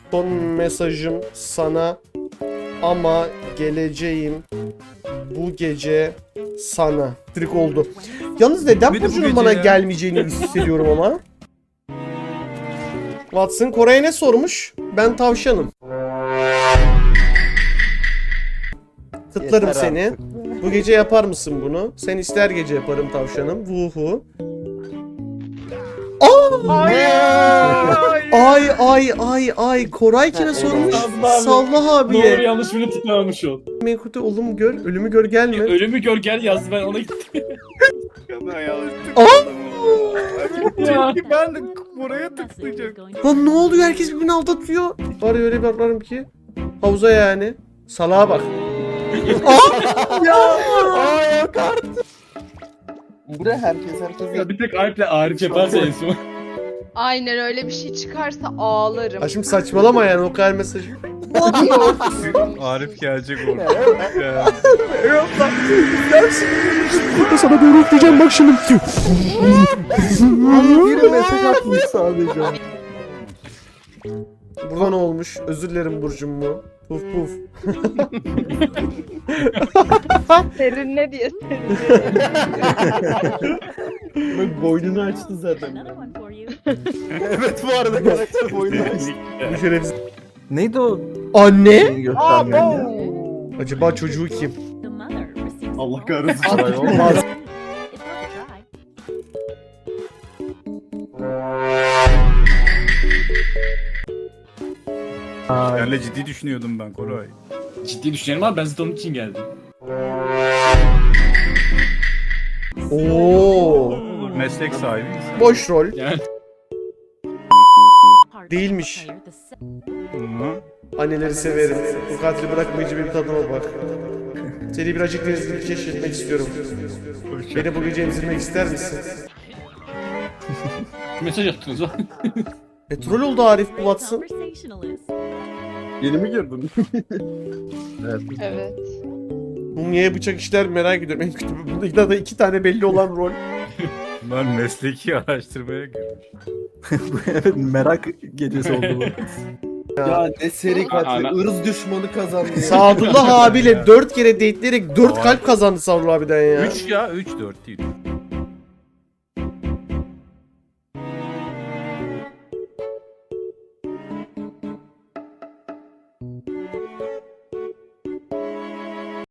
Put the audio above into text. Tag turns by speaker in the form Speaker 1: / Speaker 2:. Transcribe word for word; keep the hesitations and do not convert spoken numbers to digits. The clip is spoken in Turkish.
Speaker 1: Son mesajım sana ama geleceğim bu gece sana. Trik oldu. Yalnız neden
Speaker 2: Bir de bu
Speaker 1: Burcu'nun
Speaker 2: gece
Speaker 1: bana
Speaker 2: ya.
Speaker 1: gelmeyeceğini hissediyorum ama. Watson Koray'a ne sormuş? Ben tavşanım. Kıtlarım
Speaker 3: Yeter
Speaker 1: seni.
Speaker 3: artık.
Speaker 1: Bu gece yapar mısın bunu? Sen ister gece yaparım tavşanım. Vuhu. Ay ay ay ay. Koray kime sormuş? Sallah
Speaker 4: Ne olur
Speaker 1: abiye.
Speaker 4: yanlış biri tıklamamış ol.
Speaker 1: Menkute oğlum gör, ölümü gör gelme.
Speaker 4: Ölümü gör gel yazdı ben ona gittim. Ya.
Speaker 2: Çünkü ben de buraya tıklayacağım.
Speaker 1: Lan ne oluyor? Herkes birbirini aldatıyor. Var ya öyle bir atlarım ki. Havuza yani. Salağa bak.
Speaker 3: Ya. Aa yok artık. Buraya herkes herkes.
Speaker 4: Ya bir tek Alp'le Arif yaparsa en son.
Speaker 5: Aynen öyle bir şey çıkarsa ağlarım.
Speaker 1: Ha şimdi saçmalama yani o kadar mesaj.
Speaker 2: Arif gelecek orada. Ya.
Speaker 1: Sana doğru üfleyeceğim bak şimdi.
Speaker 3: Biri mesaj atmış sadece.
Speaker 1: Burada ne olmuş? Özür dilerim Burcum bu. Puf puf.
Speaker 5: Serin ne diye
Speaker 4: Bak boynunu açtı zaten.
Speaker 3: Evet bu arada karakter boyunu açtı.
Speaker 1: Bu şerefsiz.
Speaker 3: Neydi o?
Speaker 1: Anne?
Speaker 3: Seni göstermeyen ya.
Speaker 1: Acaba çocuğu kim?
Speaker 4: Allah kahretsin.
Speaker 3: Saray olmaz. Ay.
Speaker 2: Yani ciddi düşünüyordum ben Koray.
Speaker 4: Ciddi düşünelim abi ben zaten onun için geldim.
Speaker 1: Oo.
Speaker 2: Meslek sahibi insan.
Speaker 1: Boş rol.
Speaker 4: Yani
Speaker 1: Değilmiş.
Speaker 2: Hı.
Speaker 1: Anneleri severim. Bu katili bırakmayıcı bir tadıma bak. Seni birazcık denizli keşfetmek istiyorum. Beni bu gece emzirmek ister misin?
Speaker 4: mesaj attınız o.
Speaker 1: Petrol oldu Arif bu Watson.
Speaker 3: Yeni mi girdin? Evet.
Speaker 5: Evet.
Speaker 1: Mumya'ya bıçak işler merak ediyorum. En kötü bunda da iki tane belli olan rol.
Speaker 2: Ben mesleki araştırmaya girmiş.
Speaker 3: Evet merak gecesi oldu bu.
Speaker 6: Ya ne seri katil.
Speaker 4: Ana-
Speaker 6: Irz düşmanı kazandı. ya.
Speaker 1: Sadullah abiyle dört kere dateleyerek dört kalp kazandı Sadullah abiden ya.
Speaker 2: üç ya üç dört değil.